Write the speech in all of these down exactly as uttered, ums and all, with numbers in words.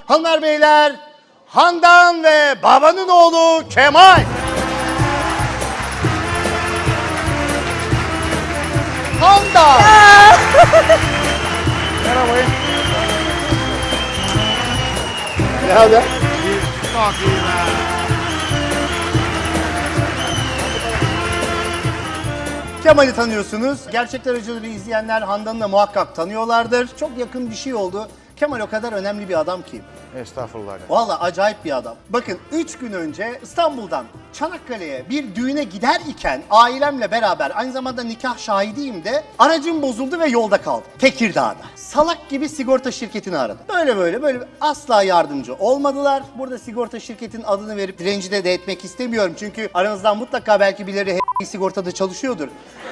Hanımlar beyler, Handan ve babanın oğlu Kemal. Handan. Merhaba. Ne haber? Çok iyi be. Kemal'i tanıyorsunuz. Gerçekler Acıları izleyenler Handan'ı da muhakkak tanıyorlardır. Çok yakın bir şey oldu. Kemal o kadar önemli bir adam ki. Estağfurullah. Vallahi acayip bir adam. Bakın üç gün önce İstanbul'dan Çanakkale'ye bir düğüne gider iken ailemle beraber aynı zamanda nikah şahidiyim de aracım bozuldu ve yolda kaldım. Tekirdağ'da. Salak gibi sigorta şirketini aradım. Böyle böyle böyle asla yardımcı olmadılar. Burada sigorta şirketinin adını verip rencide de etmek istemiyorum. Çünkü aranızdan mutlaka belki birileri h- sigortada çalışıyordur.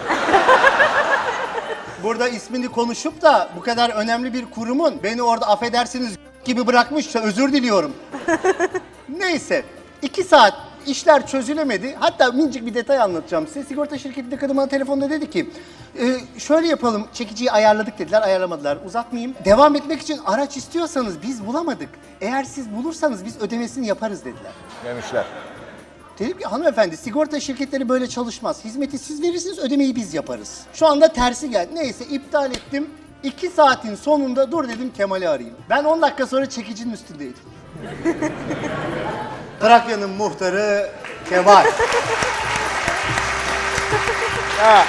Burada ismini konuşup da bu kadar önemli bir kurumun beni orada affedersiniz gibi bırakmışsa özür diliyorum. Neyse iki saat işler çözülemedi. Hatta minicik bir detay anlatacağım size. Sigorta şirketinde kadın bana telefonda dedi ki e, şöyle yapalım, çekiciyi ayarladık dediler, ayarlamadılar. Uzatmayayım. Devam etmek için araç istiyorsanız biz bulamadık. Eğer siz bulursanız biz ödemesini yaparız dediler. Demişler. Dedim ki hanımefendi sigorta şirketleri böyle çalışmaz. Hizmeti siz verirsiniz, ödemeyi biz yaparız. Şu anda tersi geldi. Neyse iptal ettim. İki saatin sonunda dur dedim Kemal'i arayayım. Ben on dakika sonra çekicinin üstündeydim. Trakya'nın muhtarı Kemal. Ya.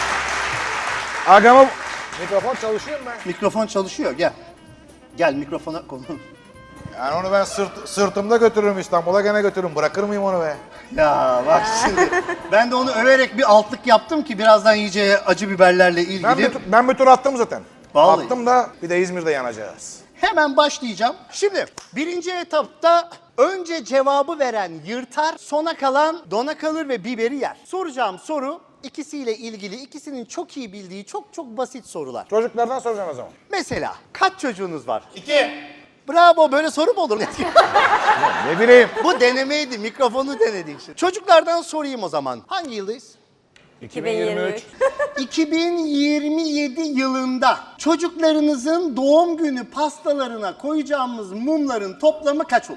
Agama mikrofon çalışıyor mu ben? Mikrofon çalışıyor, gel. Gel mikrofona konu. Yani onu ben sırt, sırtımda götürürüm İstanbul'a, gene götürürüm. Bırakır mıyım onu be? Ya bak şimdi ben de onu överek bir altlık yaptım ki birazdan yiyeceği acı biberlerle ilgili. Ben bir, tu- ben bir tur attım zaten. Vallahi. Attım da bir de İzmir'de yanacağız. Hemen başlayacağım. Şimdi birinci etapta önce cevabı veren yırtar, sona kalan dona kalır ve biberi yer. Soracağım soru ikisiyle ilgili, ikisinin çok iyi bildiği çok çok basit sorular. Çocuklardan soracağım o zaman. Mesela kaç çocuğunuz var? İki. Bravo, böyle soru mu olur? Ne bileyim. Bu denemeydi, mikrofonu denedik şimdi. Çocuklardan sorayım o zaman. Hangi yıldayız? iki bin yirmi üç. iki bin yirmi yedi yılında çocuklarınızın doğum günü pastalarına koyacağımız mumların toplamı kaç olur?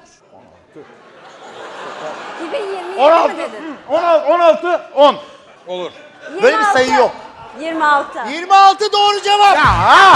iki bin yirmi on altı. mi dedin? on altı. on altı. on. Olur. Böyle bir sayı yok. yirmi altı. yirmi altı doğru cevap. Ha!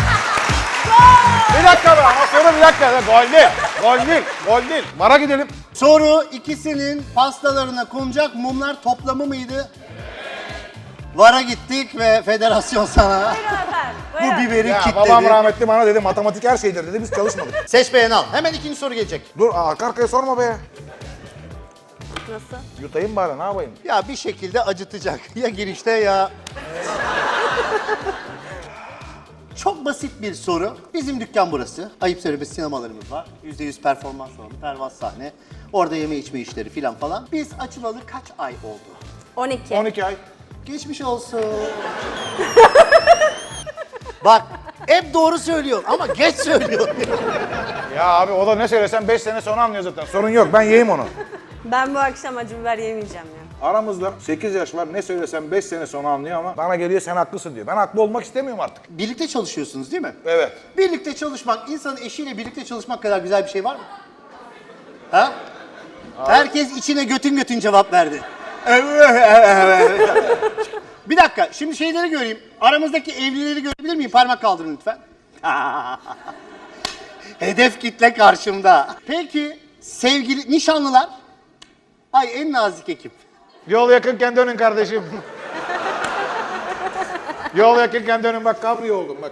Bir dakika be. Ama sonra bir dakika. Gol değil. Gol değil. Gol değil. Bara gidelim. Soru ikisinin pastalarına konacak mumlar toplamı mıydı? Vara gittik ve federasyon sana Buyurun efendim. bu Buyurun. biberi Ya kilitledi. babam rahmetli bana dedi matematik her şeydir dedi, biz çalışmadık. Seç beğen al. Hemen ikinci soru gelecek. Dur arka arkaya sorma be. Nasıl? Yutayım bari, ne yapayım? Ya bir şekilde acıtacak. Ya girişte ya... Çok basit bir soru. Bizim dükkan burası. Ayıp söylemesi sinemalarımız var. yüzde yüz performans salonu, pervaz sahne. Orada yeme içme işleri filan falan. Biz açılalı kaç ay oldu? on iki. on iki ay. Geçmiş olsun. Bak hep doğru söylüyor ama geç söylüyor. Ya abi o da ne söylesen beş sene sonra anlıyor zaten. Sorun yok, ben yiyeyim onu. Ben bu akşam acı biber yemeyeceğim ya. Aramızda sekiz yaş var, ne söylesem beş sene sonra anlıyor ama bana geliyor sen haklısın diyor. Ben haklı olmak istemiyorum artık. Birlikte çalışıyorsunuz değil mi? Evet. Birlikte çalışmak, insanın eşiyle birlikte çalışmak kadar güzel bir şey var mı? Ha? Herkes içine götün götün cevap verdi. Bir dakika, şimdi şeyleri göreyim. Aramızdaki evlileri görebilir miyim? Parmak kaldırın lütfen. Hedef kitle karşımda. Peki, sevgili nişanlılar? Ay en nazik ekip. Yol yakınken dönün kardeşim. Yol yakınken dönün, bak kabriyo oldum bak.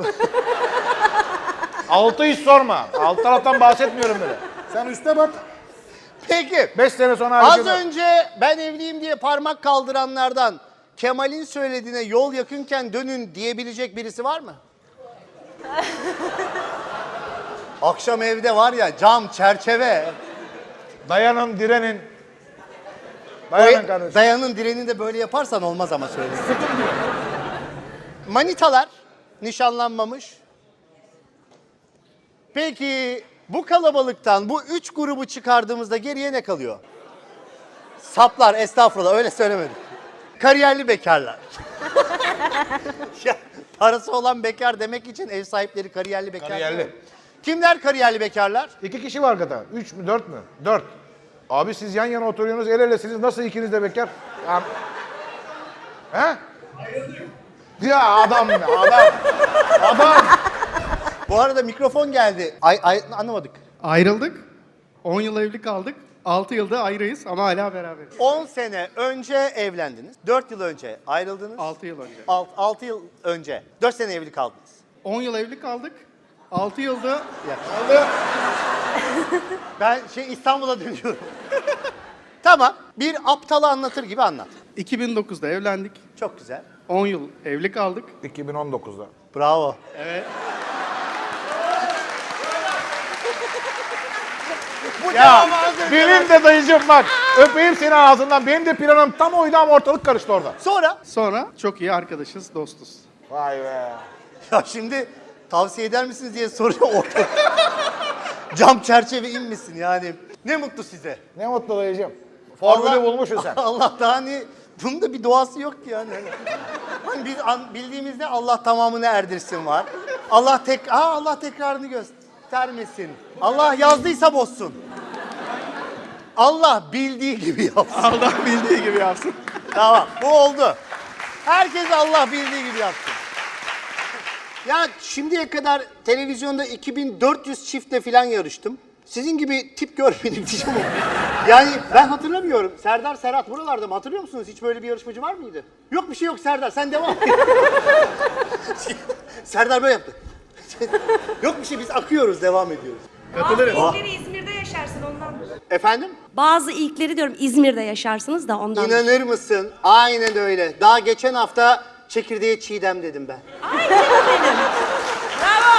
Altı hiç sorma. Alt taraftan bahsetmiyorum bile. Sen üste bak. Peki, Beş sene sonra az hareket- önce ben evliyim diye parmak kaldıranlardan Kemal'in söylediğine yol yakınken dönün diyebilecek birisi var mı? Akşam evde var ya cam, çerçeve. Dayanın, direnin. Dayanın kardeşim. Dayanın direnin de böyle yaparsan olmaz ama söyleyeyim. Manitalar nişanlanmamış. Peki bu kalabalıktan bu üç grubu çıkardığımızda geriye ne kalıyor? Saplar, estağfurullah öyle söylemedim. Kariyerli bekarlar. Ya, parası olan bekar demek için ev sahipleri kariyerli bekar. Kariyerli. Kimler kariyerli bekarlar? İki kişi var hakikaten. Üç mü dört mü? Dört. Abi siz yan yana oturuyorsunuz, el elesiniz. Nasıl ikiniz de bekar? Ya... He? Ya adam ya adam. Adam. Bu arada mikrofon geldi. Ay, ay anlamadık. Ayrıldık. on yıl evli kaldık. altı yılda ayrıyız ama hala beraberiz. on sene önce evlendiniz. dört yıl önce ayrıldınız. altı yıl önce. altı yıl önce. dört sene evli kaldınız. on yıl evli kaldık. altı yılda Ben şey İstanbul'a dönüyorum. Tamam. Bir aptalı anlatır gibi anlat. iki bin dokuzda evlendik. Çok güzel. on yıl evli kaldık. iki bin on dokuzda. Bravo. Evet. Ya benim de dayıcım bak. Öpeyim seni ağzından. Benim de planım tam oydu ama ortalık karıştı orada. Sonra Sonra çok iyi arkadaşız, dostuz. Vay be. ya şimdi tavsiye eder misiniz diye soruyor orada. Cam çerçeve inmesin yani. Ne mutlu size. Ne mutlu dayıcım. Formülü Allah- bulmuşsun sen. Allah daha hani bunun da bir doğası yok ki yani. Hani biz an- bildiğimizde Allah tamamını erdirsin var. Allah tek Aa, Allah tekrarını göstermesin. Allah yazdıysa bozsun. Allah bildiği gibi yapsın. Allah bildiği gibi yapsın. Tamam, bu oldu. Herkes Allah bildiği gibi yapsın. Ya şimdiye kadar televizyonda iki bin dört yüz çiftle falan yarıştım. Sizin gibi tip görmedim diyeceğim ama. Yani ben hatırlamıyorum. Serdar Serhat buralarda mı? Hatırlıyor musunuz? Hiç böyle bir yarışmacı var mıydı? Yok bir şey yok Serdar. Sen devam et. Serdar böyle yaptı. Yok bir şey biz akıyoruz, devam ediyoruz. Katılırım. İlkleri İzmir'de yaşarsın ondan. Efendim? Bazı ilkleri diyorum İzmir'de yaşarsınız da ondan. İnanır mısın? Aynen öyle. Daha geçen hafta çekirdeğe çiğdem dedim ben. Ay canım benim. Bravo.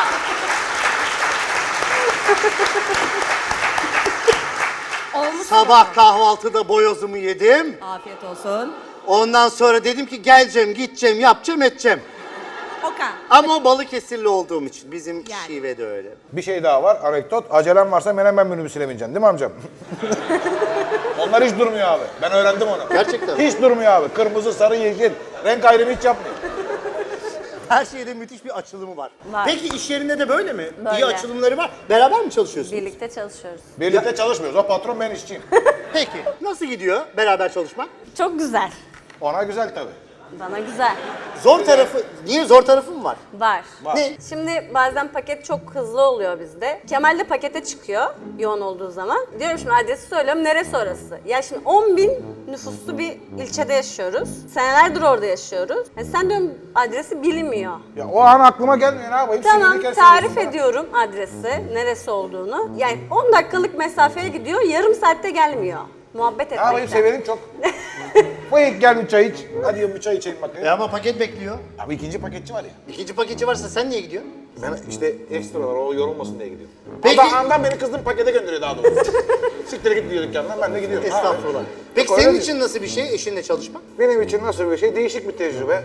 Olmuş. Sabah kahvaltıda boyozumu yedim. Afiyet olsun. Ondan sonra dedim ki geleceğim, gideceğim, yapacağım, edeceğim. Okan. Ama o Balıkesirli olduğum için bizim Yani. şive de öyle. Bir şey daha var, anekdot. Acelem varsa menemen minibüsüne bineceksin değil mi amcam? Onlar hiç durmuyor abi. Ben öğrendim onu. Gerçekten mi? Hiç durmuyor abi. Kırmızı, sarı, yeşil. Renk ayrımı hiç yapmıyor. Her şeyde müthiş bir açılımı var. Var. Peki iş yerinde de böyle mi? Böyle. İyi açılımları var. Beraber mi çalışıyorsunuz? Birlikte çalışıyoruz. Birlikte çalışmıyoruz. O patron, ben işçiyim. Peki. Nasıl gidiyor beraber çalışmak? Çok güzel. Ona güzel tabii. Bana güzel. Zor tarafı, niye zor tarafı mı var? Var. Var. Ne? Şimdi bazen paket çok hızlı oluyor bizde. Kemal de pakete çıkıyor yoğun olduğu zaman. Diyorum şimdi adresi söylüyorum, neresi orası? Ya şimdi on bin nüfuslu bir ilçede yaşıyoruz. Senelerdir orada yaşıyoruz. Yani sen diyorum adresi bilinmiyor. Ya o an aklıma gelmiyor, ne yapayım? Tamam, Sinirli kere tarif söylüyorsun bana. ediyorum adresi, neresi olduğunu. Yani on dakikalık mesafeye gidiyor, yarım saatte gelmiyor. Muhabbet Ne yapayım, etmekten. severim çok. Buyur gel bir çay iç. Hadi yiyin bir çay içelim bakayım. E ama paket bekliyor. Abi ikinci paketçi var ya. İkinci paketçi varsa sen niye gidiyorsun? Ben işte ekstra var, o yorulmasın diye gidiyorum. Peki- Peki. Andan beni kızdım pakete gönderiyor daha doğrusu. Siktir git diyor dükkandan, ben de gidiyorum. Ha, Estağfurullah. Peki Yok, öyle senin değil. için nasıl bir şey eşinle çalışmak? Benim için nasıl bir şey? Değişik bir tecrübe.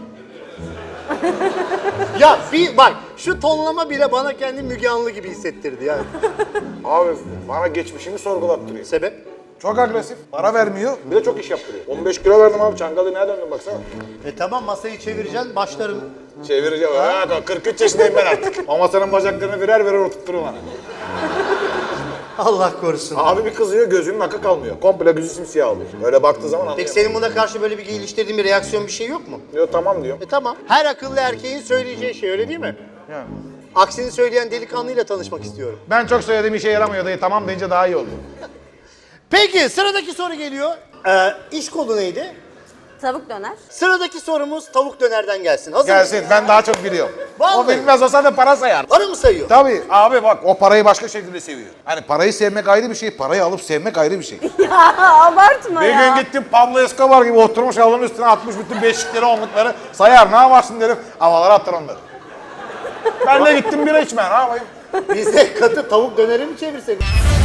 Ya bir bak şu tonlama bile bana kendi Müge Anlı gibi hissettirdi yani. Abi bana geçmişimi sorgulattırıyor. Sebep? Çok agresif, para vermiyor, bir de çok iş yaptırıyor. on beş kilo verdim abi, Çangalı'ya döndüm baksana. E tamam masayı çevireceksin başlarım. Çevireceğim, ha, kırk üç yaşındayım ben artık. Ama senin bacaklarını birer birer oturtturur bana. Allah korusun. Abi bir kızıyor, gözünün akı kalmıyor. Komple gözü simsiyah oluyor. Öyle baktığı zaman anlıyor. Peki senin buna karşı böyle bir geliştirdiğin bir reaksiyon bir şey yok mu? Diyor tamam diyor. E tamam. Her akıllı erkeğin söyleyeceği şey öyle değil mi? Yani. Aksini söyleyen delikanlıyla tanışmak istiyorum. Ben çok söylediğim işe yaramıyor dayı, tamam deyince daha iyi oluyor. Peki sıradaki soru geliyor. Ee, iş kolu neydi? Tavuk döner. Sıradaki sorumuz tavuk dönerden gelsin. Hazır Gelsin, mısın? ben daha çok biliyorum. Vallahi. O bilmez olsa da para sayar. Para mı sayıyor? Tabii abi bak, o parayı başka şekilde seviyor. Hani parayı sevmek ayrı bir şey, parayı alıp sevmek ayrı bir şey. Ya abartma Bir ya. gün gittim Pablo Escobar gibi oturmuş halının üstüne atmış bütün beşikleri, onlukları sayar, ne yaparsın derim, havalara atar onları. Ben de gittim bira içmeye, ne yapayım? Biz de katı tavuk döneri mi çevirsek?